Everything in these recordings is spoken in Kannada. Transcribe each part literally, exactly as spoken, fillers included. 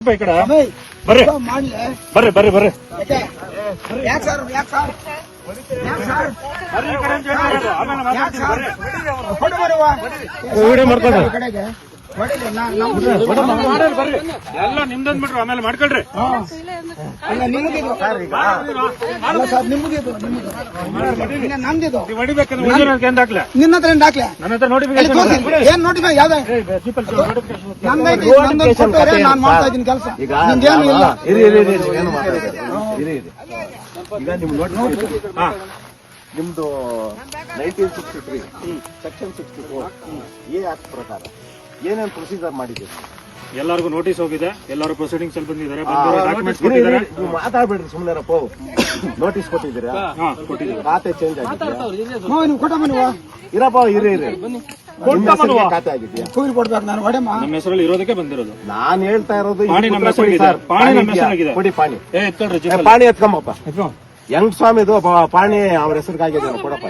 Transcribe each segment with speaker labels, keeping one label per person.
Speaker 1: ಈ ಕಡೆ ಬರ್ರಿ ಬರ್ರಿ ಬರ್ರಿ ಬರ್ರಿ
Speaker 2: ಯಾಕೆ ಸರ್ ಯಾಕೆ ಸರ್ ಯಾಕೆ ಸರ್
Speaker 1: ಬರ್ರಿ ಈ ಕಡೆ ಅಂತ ಹೇಳಿ ಆಮೇಲೆ
Speaker 2: ಯಾಕೆ ಸರ್
Speaker 1: ಮಾತಾಡ್ತೀನಿ.
Speaker 2: ಹೊಡೆ ಬರುವ
Speaker 1: ವಿಡಿಯೋ ಮಾಡ್ಕೊಳ್ರಿ.
Speaker 2: ಕಡೆಗೆ ಹೊಡಿಲಿ ನಾ- ನಮ್ಮ
Speaker 1: ಮಾಡ್ರಿ, ಬರ್ರಿ ಎಲ್ಲ ನಿಮ್ದಂದ್ ಬಿಟ್ರು ಆಮೇಲೆ ಮಾಡ್ಕೊಳ್ರಿ.
Speaker 2: ಹಾ. ಅಲ್ಲ ನಿಮಗಿದು ಅಲ್ಲ ಸರ್ ನಿಮಗಿದು ನಿಮಗಿದು ಇನ್ನ ನಮ್ದಿದು
Speaker 1: ನೀವು ಹೊಡಿಬೇಕಂದ್ರೆ ಒರಿಜಿನಲ್ ಏನ್ ದಾಖಲೆ
Speaker 2: ನಿನ್ನ ಹತ್ರ ಏನ್ ದಾಖಲೆ
Speaker 1: ನನ್ನ ಹತ್ರ
Speaker 2: ಎಲ್ಲಿ
Speaker 1: ನೋಟಿಫಿಕೇಶನ್
Speaker 2: ತೋರಿಸಿ ಏನ್ ನೋಟಿಫಿಕೇಶನ್ ಯಾವ್ದು ನಮ್ದೈತಿ ನಂದೊಂದು ಕೊಟ್ಟರೆ ನಾನು ಮಾಡ್ತಾ ಇದ್ದೀನಿ ಕೆಲಸ ನಿಮ್ದೇನು ಇಲ್ಲ
Speaker 3: ಇರಿ ಇರಿ ಇರಿ ಏನು ಮಾತಾಡಿದ್ರೆ ಇರಿ ಇರಿ ಈಗ ನಿಮ್ ನೋಡಿ
Speaker 1: ಹಾ
Speaker 3: ನಿಮ್ದು nineteen sixty three section sixty four A act ಪ್ರಕಾರ ಏನೇನು ಪ್ರೊಸೀಜರ್ ಮಾಡಿದ್ದೀರಿ?
Speaker 1: ಎಲ್ಲರಿಗೂ ನೋಟಿಸ್ ಹೋಗಿದೆ, ಎಲ್ಲರೂ ಪ್ರೊಸೀಡಿಂಗ್ಸ್ ಅಲ್ಲಿ ಬಂದಿದ್ದಾರೆ,
Speaker 3: ಆ,
Speaker 1: ಡಾಕ್ಯುಮೆಂಟ್ಸ್
Speaker 3: ಇರಿ, ಇರಿ,
Speaker 1: ಕೊಟ್ಟಿದ್ದಾರೆ.
Speaker 3: ನೀವು ಮಾತಾಡ್ಬೇಡ್ರಿ ಸುಮ್ಮನೆರಪ್ಪ. ನೋಟಿಸ್ ಕೊಟ್ಟಿದ್ದೀರಾ?
Speaker 1: ಹಾ ಕೊಟ್ಟಿದ್ದಾರೆ.
Speaker 3: ಖಾತೆ ಚೇಂಜ್ ಆಗಿದೆಯಾ?
Speaker 2: ಹ್ಞೂ ನೀವು ಕೊಟ್ಟ ಮನುವ
Speaker 3: ಇರಪ್ಪ ಇರಿ ಇರಿ ನಿಮ್ಮ ಹೆಸರಿಗೆ ಖಾತೆ ಆಗಿದೆಯಾ?
Speaker 2: ಕೂಲಿ ಕೊಡ್ಬೇಕು ನಾನು ಹೊಡೆಮ್ಮ
Speaker 1: ನಮ್ಮ ಹೆಸರಲ್ಲಿ ಇರೋದಕ್ಕೆ ಬಂದಿರೋದು.
Speaker 3: ನಾನ್ ಹೇಳ್ತಾ ಇರೋದು
Speaker 1: ಪಾಣಿ
Speaker 3: ಇದು
Speaker 1: ನಮ್ಮ
Speaker 3: ಉತ್ತರ ಕೊಡಿ
Speaker 1: ಹೆಸರಿಗಿದೆ.
Speaker 3: ಸರ್.
Speaker 1: ಪಾಣಿ ನಮ್ಮ
Speaker 3: ಪಾಣಿ ಇದೆಯಾ?
Speaker 1: ಹೆಸರಿಗಿದೆ.
Speaker 3: ಕೊಡಿ ಪಾಣಿ.
Speaker 1: ಏ ಎತ್ಕೊಳ್ರಿ
Speaker 3: ಏ,
Speaker 1: ಜೀಪಲ್ಲಿ.
Speaker 3: ಪಾಣಿ ಎತ್ಕೊಂಬಪ್ಪ.
Speaker 1: ಎತ್ಕೊ.
Speaker 3: ಯಂಗ್ ಸ್ವಾಮಿದು ಪ- ಪಾಣಿ ಅವ್ರ ಹೆಸರಿಗಾಗಿದೆ ಕೊಡಪ್ಪ.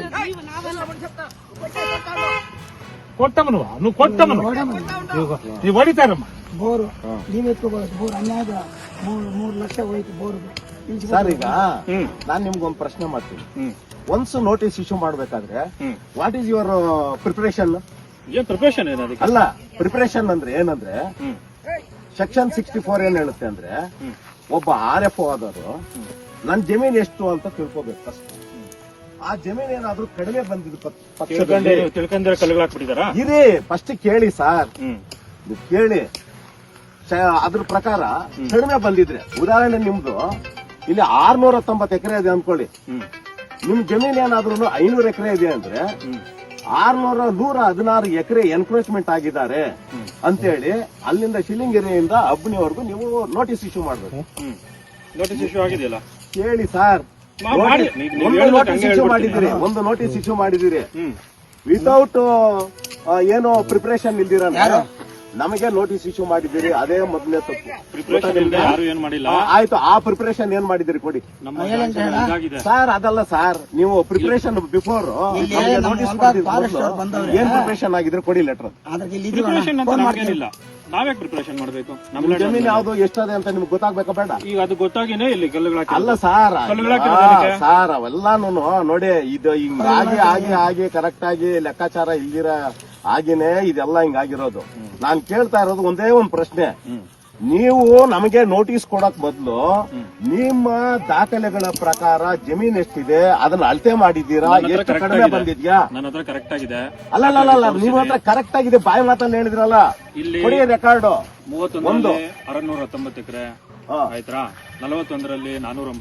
Speaker 1: ಕೊಟ್ಟಮನುವ ನೀವು ಕೊಟ್ಟಮನು
Speaker 2: ಹೊಡೆಮ್ಮ
Speaker 1: ನೀವು ಹೊಡಿತಾರಮ್ಮ.
Speaker 2: ಬೋರು ನೀವ್ ಎತ್ಕೋಬಹುದು ಬೋರ್ ಅನ್ಯಾಯ ಮೂರು ಮೂರು ಲಕ್ಷ ಹೋಯ್ತು ಬೋರ್
Speaker 3: ಸರ್ ಈಗ
Speaker 1: ಹ್ಮ್
Speaker 3: ನಾನ್ ನಿಮ್ಗೊಂದು ಪ್ರಶ್ನೆ ಮಾಡ್ತೀನಿ.
Speaker 1: ಹ್ಮ್
Speaker 3: ಒನ್ಸ್ ನೋಟಿಸ್ ಇಶ್ಯೂ ಮಾಡ್ಬೇಕಾದ್ರೆ
Speaker 1: hmm
Speaker 3: what is your preparation?
Speaker 1: ಏನ್ ಪ್ರಿಪರೇಷನ್ ಏನು ಅದಕ್ಕೆ?
Speaker 3: ಅಲ್ಲ ಪ್ರಿಪರೇಷನ್ ಅಂದ್ರೆ ಏನಂದ್ರೆ
Speaker 1: ಹ್ಮ್
Speaker 3: ಸೆಕ್ಷನ್ ಸಿಕ್ಸ್ಟಿ ಫೋರ್ ಏನ್ ಹೇಳುತ್ತೆ ಅಂದ್ರೆ
Speaker 1: ಹ್ಮ್
Speaker 3: ಒಬ್ಬ ಆರ್ ಎಫ್ ಆದವರು ನನ್ ಜಮೀನ್ ಎಷ್ಟು ಅಂತ ತಿಳ್ಕೊಬೇಕು ಫಸ್ಟ್. ಆ ಜಮೀನ್ ಏನಾದ್ರೂ ಕಡಿಮೆ ಬಂದಿದ್ದು ಪಕ್- ಪಕ್ಷದಲ್ಲಿ
Speaker 1: ತಿಳ್ಕೊಂಡೆ ತಿಳ್ಕೊಂಡ್ರೆ ಕಲ್ಗಳು ಹಾಕ್ಬಿಟ್ಟಿದಾರಾ?
Speaker 3: ಇರಿ ಫಸ್ಟ್ ಕೇಳಿ ಸರ್,
Speaker 1: ಹ್ಮ್
Speaker 3: ನೀವು ಕೇಳಿ. ಶ- ಅದ್ರ ಪ್ರಕಾರ ಕಡಿಮೆ ಬಂದಿದ್ರೆ ಉದಾಹರಣೆ ನಿಮ್ದು ಇಲ್ಲಿ ಆರ್ನೂರ ಹತ್ತೊಂಬತ್ತು ಎಕರೆ ಇದೆ ಅನ್ಕೊಳ್ಳಿ,
Speaker 1: ಹ್ಮ್
Speaker 3: ನಿಮ್ ಜಮೀನ್ ಏನಾದ್ರೂ ಐನೂರು ಎಕರೆ ಇದೆ ಅಂದ್ರೆ
Speaker 1: ಹ್ಮ್
Speaker 3: ಆರ್ನೂರ ನೂರ ಹದಿನಾರು ಎಕರೆ ಎನ್ಕ್ರೋಚ್ಮೆಂಟ್ ಆಗಿದ್ದಾರೆ ಅಂತೇಳಿ ಅಲ್ಲಿಂದ ಶಿಲಿಂಗೆರೆಯಿಂದ ಅಬ್ನಿವರೆಗೂ ನೀವು ನೋಟಿಸ್ ಇಶ್ಯೂ ಮಾಡ್ಬೇಕು.
Speaker 1: ಹ್ಮ್ ನೋಟಿಸ್ ಇಶ್ಯೂ ಆಗಿದೆಯಲ್ಲ?
Speaker 3: ಕೇಳಿ ಸರ್,
Speaker 1: ಮಾ- ಮಾಡಿ. ನೀವು- ನೀವು
Speaker 3: ಒಂದು
Speaker 1: ಹೇಳ್ಬೇಕು,
Speaker 3: ನೋಟಿಸ್
Speaker 1: ಹಂಗೆ
Speaker 3: ಇಶ್ಯೂ
Speaker 1: ಹೇಳ್ಬಿಡ್ತೀನಿ.
Speaker 3: ಮಾಡಿದಿರಿ ಒಂದು ನೋಟಿಸ್ ಇಶ್ಯೂ ಮಾಡಿದಿರಿ
Speaker 1: ಹ್ಮ್
Speaker 3: ವಿತೌಟ್ ಏನೋ ಪ್ರಿಪರೇಷನ್ ಇಲ್ದಿರ ನಮಗೆ ನೋಟಿಸ್ ಇಶ್ಯೂ ಮಾಡಿದ್ದೀರಿ, ಅದೇ ಮೊದಲನೇ ತಪ್ಪು.
Speaker 1: ಪ್ರಿಪರೇಷನ್ ಇಲ್ಲದೆ ಯಾರು ಏನ್ ಮಾಡಿಲ್ಲ.
Speaker 3: ಆ, ಆಯ್ತು, ಆ ಪ್ರಿಪರೇಷನ್ ಏನ್ ಮಾಡಿದಿರಿ ಕೊಡಿ
Speaker 1: ನಮ್ಮ sanction ಇದಾಗಿದೆ.
Speaker 3: ಸರ್. ಅದಲ್ಲ ಸರ್, ನೀವು ಪ್ರಿಪರೇಷನ್ ಬಿಫೋರ್
Speaker 2: ಇಲ್ಲಿ ನಮ್ಮ
Speaker 3: ನೋಟಿಸ್
Speaker 2: ಹೊಲ್ದಾಗ forest ಅವ್ರು ಬಂದವ್ರೆ.
Speaker 3: ಏನ್ ಪ್ರಿಪರೇಷನ್ ಆಗಿದ್ರೆ ಕೊಡಿ ಲೆಟರ್.
Speaker 2: ಅದ್ರಲ್ಲಿ ಇಲ್ಲಿ
Speaker 1: ಪ್ರಿಪರೇಷನ್ ಅಂತ
Speaker 2: ಫೋನ್
Speaker 1: ನಮಗೇನಿಲ್ಲ, ನಾವೇ ಪ್ರಿಪರೇಷನ್ ಮಾಡ್ಬೇಕು. ನಮ್ಮ
Speaker 3: ನಿಮ್ ಜಮೀನ್ ಯಾವ್ದು ಎಷ್ಟದೆ ಅಂತ ನಿಮ್ಗೆ ಗೊತ್ತಾಗ್ಬೇಕಾ ಬೇಡ?
Speaker 1: ಈಗ ಅದು ಗೊತ್ತಾಗಿನೇ ಇಲ್ಲಿ ಕಲ್ಲುಗಳು
Speaker 3: ಅಲ್ಲ ಸರ್,
Speaker 1: ಕಲ್ಲುಗಳು ಹಾಕಿರೋದು ಅದಕ್ಕೆ.
Speaker 3: ಸರ್ ಅವೆಲ್ಲಾನು ನೋಡಿ ಇದು ಹಿಂಗಾಗಿ ಆಗಿ ಆಗಿ ಕರೆಕ್ಟ್ ಆಗಿ ಲೆಕ್ಕಾಚಾರ ಇಲ್ದಿರ ಆಗಿನೇ ಇದೆಲ್ಲ ಹಿಂಗಾಗಿರೋದು. ನಾನ್ ಕೇಳ್ತಾ ಇರೋದು ಒಂದೇ ಒಂದ್ ಪ್ರಶ್ನೆ. ನೀವು ನಮಗೆ ನೋಟಿಸ್ ಕೊಡಕ್ ಬದಲು ನಿಮ್ಮ ದಾಖಲೆಗಳ ಪ್ರಕಾರ ಜಮೀನ್ ಎಷ್ಟಿದೆ ಅದನ್ನ ಅಳತೆ ಮಾಡಿದ್ದೀರಾ? ಎಷ್ಟು ಕಡಿಮೆ ಬಂದಿದ್ಯಾ?
Speaker 1: ನನ್ನ ಹತ್ರ ಕರೆಕ್ಟ್ ಆಗಿದೆ.
Speaker 3: ಅಲ್ಲ ಅಲ್ಲ ಅಲ್ಲ ನಿಮ್ಮ ಹತ್ರ ಕರೆಕ್ಟ್ ಆಗಿದೆ, ಬಾಯಿ ಮಾತನ್ನ ಹೇಳಿದ್ರಲ್ಲ,
Speaker 1: ಇಲ್ಲಿ
Speaker 3: ಕೊಡಿ ರೆಕಾರ್ಡ್.
Speaker 1: ಮೂವತ್ತೊಂದರಲ್ಲಿ ಅರನೂರ ಹತ್ತೊಂಬತ್ತು ಎಕರೆ
Speaker 3: ಹಾ.
Speaker 1: ಆಯ್ತಾ, ನಲವತ್ತೊಂದರಲ್ಲಿ ನಾನೂರ